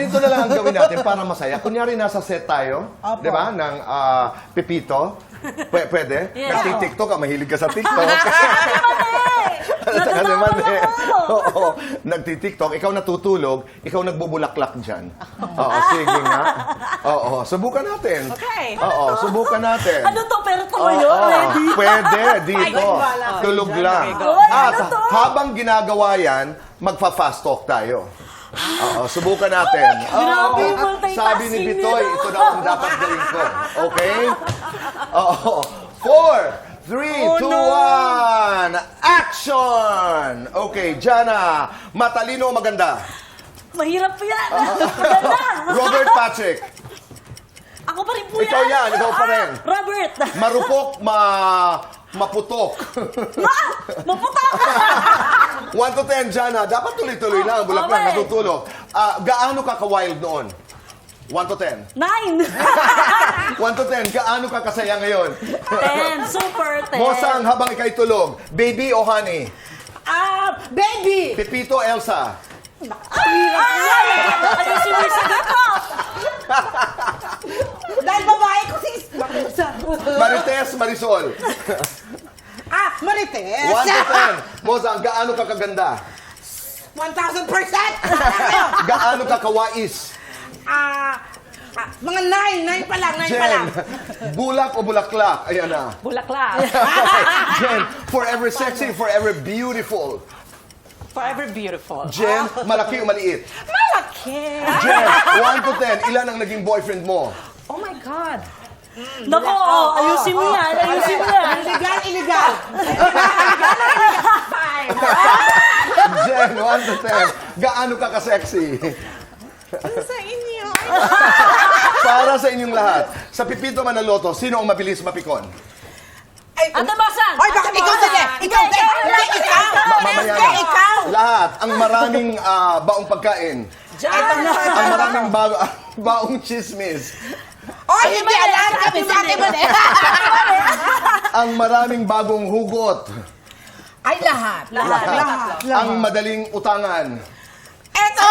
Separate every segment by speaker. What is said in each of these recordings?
Speaker 1: ganito na lang ang gawin natin para masaya. Kunyari, nasa set tayo,
Speaker 2: Opo.
Speaker 1: di ba, ng Pepito. Pwede?
Speaker 3: Yeah.
Speaker 1: Nagtitiktok ka, mahilig ka sa TikTok. Kasi
Speaker 3: Natatawa
Speaker 1: man eh.
Speaker 3: ako.
Speaker 1: Oo, nagtitiktok, ikaw natutulog, ikaw nagbubulaklak dyan. Oo, sige nga. Oo, subukan natin.
Speaker 3: Okay.
Speaker 1: Oo, subukan natin.
Speaker 3: Ano to? Pero tumayo? Ready?
Speaker 1: Pwede, dito.
Speaker 2: Ay,
Speaker 1: Tulog
Speaker 2: dyan,
Speaker 1: lang.
Speaker 2: okay, go.
Speaker 1: At
Speaker 3: Ano to?
Speaker 1: habang ginagawa yan, magpa-fast talk tayo. Oo, subukan natin.
Speaker 3: Grabe,
Speaker 1: Oo.
Speaker 3: multitasking
Speaker 1: Sabi ni Bitoy,
Speaker 3: nila.
Speaker 1: ito daw ang dapat gawin ko. Okay? Oo. 4, 3, 2, 1, action! Okay, Jana, matalino o maganda?
Speaker 3: Mahirap po yan. Ganda.
Speaker 1: Robert Patrick,
Speaker 3: Ako pa rin po yan.
Speaker 1: ikaw yan, ikaw pa rin.
Speaker 3: Robert.
Speaker 1: Marupok, maputok.
Speaker 3: Maputak.
Speaker 1: 1 to 10, Jana, dapat tuloy-tuloy lang, bulak lang,
Speaker 3: Okay.
Speaker 1: natutulog. Gaano ka ka-wild noon? 1 to 10.
Speaker 3: 9.
Speaker 1: 1 to 10, gaano ka kasaya ngayon?
Speaker 3: 10. Super 10.
Speaker 1: Mosang, habang ikay tulog, baby o honey?
Speaker 2: Baby!
Speaker 1: Pepito, Elsa?
Speaker 3: Ayusin mo yung sagot ko.
Speaker 2: Dahil babae ko si...
Speaker 1: Marites, Marisol?
Speaker 2: Marites!
Speaker 1: 1 to 10. Mosang, gaano ka kaganda?
Speaker 2: 1,000%!
Speaker 1: Gaano ka kawais?
Speaker 2: Mga 9 pa lang, 9 pa lang.
Speaker 1: Jen, bulak o bulaklak? Ayan na.
Speaker 4: Bulaklak.
Speaker 1: Jen, forever sexy, forever beautiful.
Speaker 4: Forever beautiful.
Speaker 1: Jen, malaki o maliit?
Speaker 4: Malaki.
Speaker 1: Jen, 1 to 10, ilan ang naging boyfriend mo?
Speaker 4: Oh my God.
Speaker 3: Nako, ayusin mo yan. Ayusin mo yan.
Speaker 2: Illegal!
Speaker 4: Fine.
Speaker 1: Jen, 1 to 10, gaano ka ka-sexy?
Speaker 2: Sa inyo.
Speaker 1: Para sa inyong lahat, sa Pipito Manaloto, sino ang mabilis mapikon?
Speaker 3: Ate Basang.
Speaker 2: Hoy, bakit ikaw din? Ikaw din! Ikaw!
Speaker 1: Mamaya
Speaker 2: Hindi,
Speaker 1: na.
Speaker 2: ikaw!
Speaker 1: Lahat, ang maraming baong pagkain. Ang maraming baong chismis.
Speaker 2: Oh, hindi alam kami sa atin mo
Speaker 1: Ang maraming bagong hugot.
Speaker 2: Ay, lahat. Lahat.
Speaker 1: Ang madaling utangan.
Speaker 2: Eto!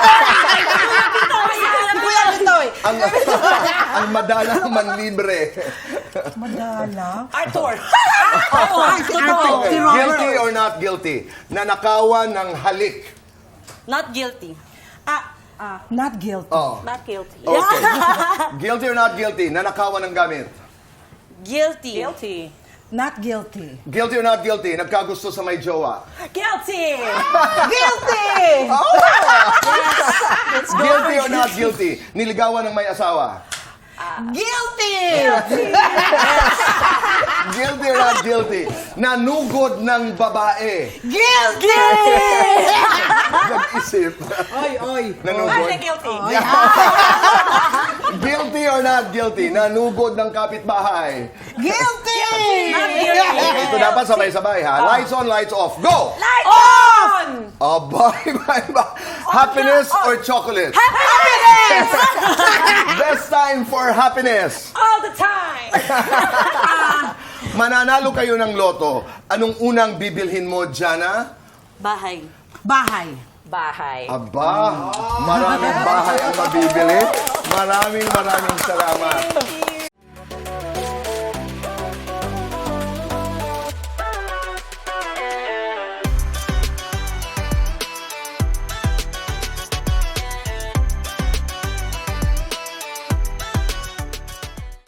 Speaker 2: Kuya Bitoy!
Speaker 1: Ang madalang manlibre.
Speaker 4: Arthur.
Speaker 1: Okay, guilty or not guilty? Nanakawan ng halik.
Speaker 3: Not guilty.
Speaker 2: Not guilty.
Speaker 1: Oh.
Speaker 3: Not guilty.
Speaker 1: Okay. Guilty or not guilty? Nanakawan ng gamit.
Speaker 3: Guilty.
Speaker 4: Guilty.
Speaker 2: Not guilty.
Speaker 1: Guilty or not guilty? Nagkagusto sa may jowa.
Speaker 4: Guilty.
Speaker 2: Guilty!
Speaker 1: Guilty or not guilty? Niligawan ng may asawa.
Speaker 2: Guilty!
Speaker 1: Guilty or not guilty? Nanugod ng babae.
Speaker 2: Guilty!
Speaker 1: Nag-isip.
Speaker 2: Oy.
Speaker 1: Nanugod.
Speaker 4: Guilty.
Speaker 1: Guilty or not guilty? Nanugod ng kapitbahay.
Speaker 2: Guilty!
Speaker 1: Ito dapat sabay-sabay ha. Lights on, lights off. Go!
Speaker 4: Light on.
Speaker 1: Oh, bye. Happiness or chocolate?
Speaker 2: Happiness!
Speaker 1: Best time for happiness.
Speaker 4: All the time.
Speaker 1: Mananalo kayo ng loto. Anong unang bibilhin mo, Jana?
Speaker 3: Bahay.
Speaker 2: Bahay.
Speaker 4: Bahay.
Speaker 1: Aba, maraming bahay ang mabibili. Maraming salamat.